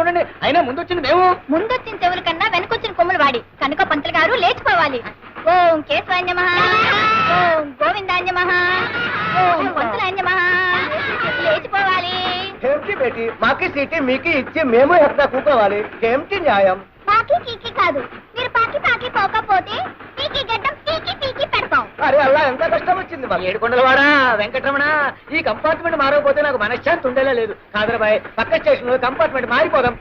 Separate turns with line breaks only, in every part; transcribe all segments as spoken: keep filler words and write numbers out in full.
ఉండండి. అయినా ముందు వచ్చింది మేము.
ముందొచ్చిన చెవుల కన్నా వెనకొచ్చిన కొమ్ములు వాడి కనుక పంతులు గారు లేచిపోవాలి. ఓం కేశవాన్యమః, ఓం గోవిందాన్యమః, ఓం పంతులాన్యమః. లేచిపోవాలి.
ఏమిటి బేటి, మాకి సీటీ మీకు ఇచ్చి మేము ఎక్కడ కూకోవాలి? ఏమిటి న్యాయం?
పాకి కీకి కాదు, మీరు పాకి పాకి పోకపోతే పీకి గడ్డం పీకి పీకి పెడతాం.
అరే అల్లా ఎంత కష్టం వచ్చింది మాకు. ఏడుకొండలవాడా వెంకటరమణ, ఈ కంపార్ట్మెంట్ మారకపోతే నాకు మనశ్శాంతి ఉండేలా లేదు. కాదరబాయ్, పక్క స్టేషన్ లో కంపార్ట్మెంట్ మారిపోదాం.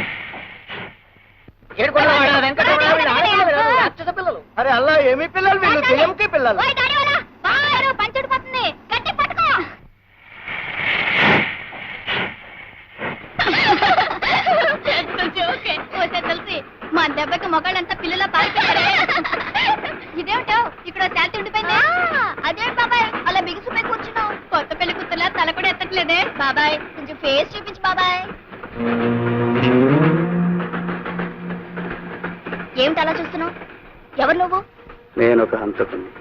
ఏడుకొండలవాడా వెంకటరమణ, వీళ్ళు ఆడపిల్లలు కాదు, రాక్షస పిల్లలు. అరే అల్లా, ఏమి పిల్లలు వీళ్ళు? దెయ్యంకి పిల్లలు.
ఓయ్ దాడివాలా, బారు పంచుడిపోతుంది, గట్టి పట్టుకో. ఓకే ఓకే తెలిసి మా దెబ్బకి మొగాళ్ళంతా పిల్లల పారిపోయారే. ఇదేమిటో ఇక్కడ శాంతి ఉండిపోయింది. అదేంటి బాబాయ్ అలా బిగుసిపోయి కూర్చున్నావు? కొత్త పెళ్లి కూతురులా తల కూడా ఎత్తట్లేదే. బాబాయ్ కొంచెం ఫేస్ చూపించు బాబాయ్. ఏమిటి అలా చూస్తున్నావు? ఎవరు నువ్వు?
నేను ఒక హంతకుని.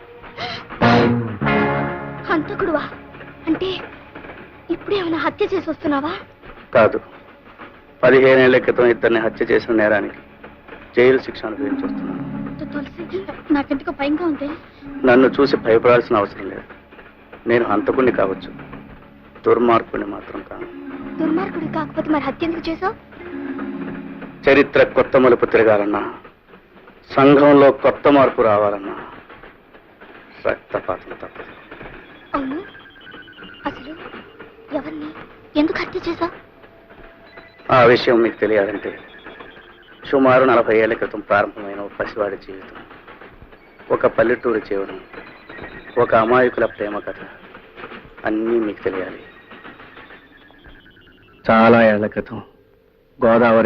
హంతకుడువా? అంటే ఇప్పుడేమైనా హత్య చేసి వస్తున్నావా?
కాదు, పదిహేనేళ్ల క్రితం ఇద్దరిని హత్య చేసిన నేరానికి జైలు శిక్ష అనుభవించి వస్తున్నాను.
తులసి, నాకెందుకు భయంగా ఉంది.
నన్ను చూసి భయపడాల్సిన అవసరం లేదు. నేను హంతకుణ్ణి కావచ్చు, దుర్మార్గుణ్ణి మాత్రం కాను.
దుర్మార్గుడు కాకపోతే మరి హత్య ఎందుకు చేసావు?
చరిత్ర కొత్త మలుపు తిరగాలన్నా, సంఘంలో కొత్త మార్పు రావాలన్నా రక్తపాతం తప్పదు.
అవును, అసలు ఎవరిని ఎందుకు హత్య చేసావు?
ఆ విషయం మీకు తెలియాలంటే సుమారు నలభై ఏళ్ల క్రితం ప్రారంభమైన ఒక పసివాడి జీవితం, ఒక పల్లెటూరు జీవనం, ఒక అమాయకుల ప్రేమ కథ అన్నీ మీకు తెలియాలి. చాలా ఏళ్ల క్రితం గోదావరి